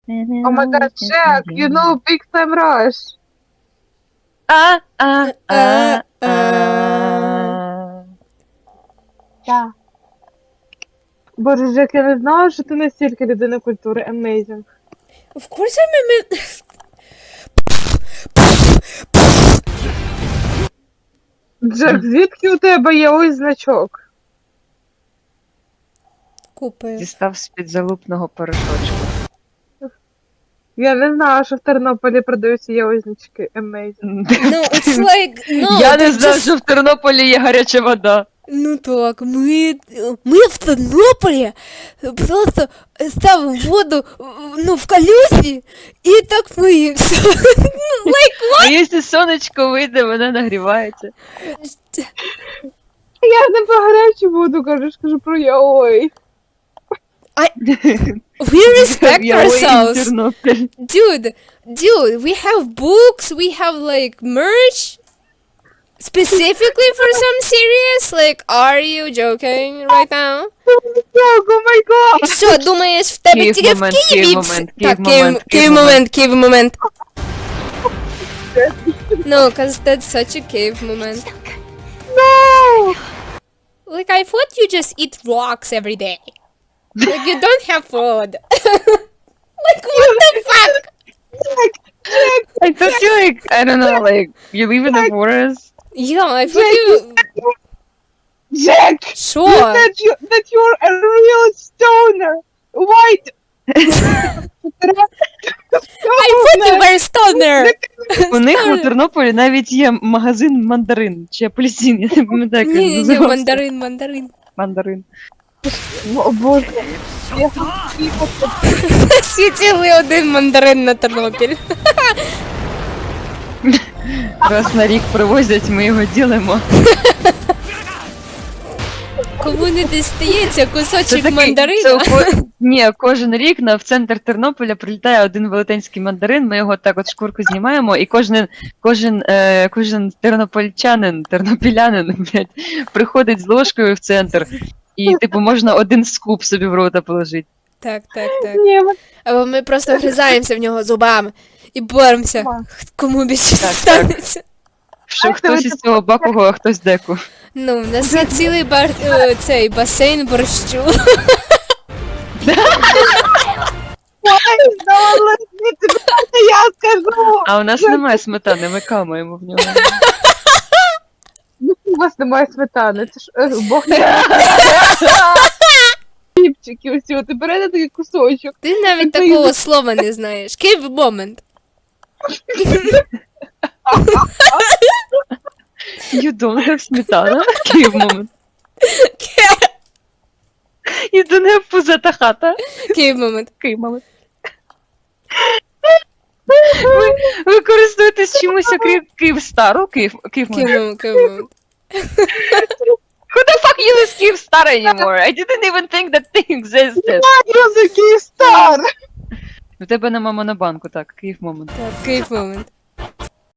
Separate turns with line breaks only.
Oh my god, Jack, you know Big Time Rush. Так. Боже, Джек, я не знала, що ти настільки людина культури. Amazing.
Of course I'm a
Джек, звідки у тебе є ось значок?
Купив.
Дістав з-під залупного порошочку.
Я не знала, що в Тернополі продаються є ось значки. Amazing.
No, it's like, no,
Я не
це
знав,
just-
що в Тернополі є гаряча вода.
Ну так, ми в Тернополі просто ставимо воду, ну, в калюжі, і так миємося. Ну, like,
А якщо сонечко вийде, вона нагрівається.
Я ж не про гарячу воду кажу про яой.
we respect
Я
ourselves.
Тернопіль.
Dude, we have books, we have like merch specifically for some serious. Like, are you joking right now?
О май гад!
Що, думаєш, в тебе
Київ
тільки в
момент,
Києві?
Київ момент,
Так,
Київ момент,
Київ момент. No, cause that's such a cave moment.
No!
Like, I thought you just eat rocks every day. Like, you don't have food. Like, what the fuck?
I thought you like, I don't know, like, you live in the forest?
Yeah, I thought you...
Jack!
Sure.
That you're a real stoner! White!
I thought you were stoner.
У них у Тернополі навіть є магазин мандарин чи апельсин, я не пам'ятаю, як він
Ні,
називався.
мандарин.
Мандарин.
О боже. Я хотів.
Всі цілий один мандарин на Тернопіль.
Раз на рік привозять, ми його ділимо.
Кому не дістається кусочок
це
мандарина.
Ні, кожен рік в центр Тернополя прилітає один велетенський мандарин, ми його так от шкурку знімаємо, і кожен тернопілянин, блядь, приходить з ложкою в центр, і, типу, можна один скуп собі в рота положити.
Так.
Ні,
Або ми просто вгризаємося в нього зубами і боремося, кому більше
Так.
станеться.
Що хтось із цього бакого, а хтось деку.
Ну, в нас є цілий цей басейн борщу.
я скажу!
А у нас немає сметани, ми камаємо в нього.
У вас немає сметани, це ж Бог не хлібчики усі, ти берете такий кусочок.
Ти навіть
Це
такого слова не знаєш. Київ момент.
You don't have сметана? Київ момент. You don't have пузата хата?
Київ момент.
Київ момент. Ви користуєтесь чимось, окрім Київстару? Київ момент.
Київ момент.
Who the fuck uses Kyivstar anymore? I didn't even think that thing existed.
Я такий стар!
У тебе нема монобанку, так, Київ момент.
Так, Київ момент.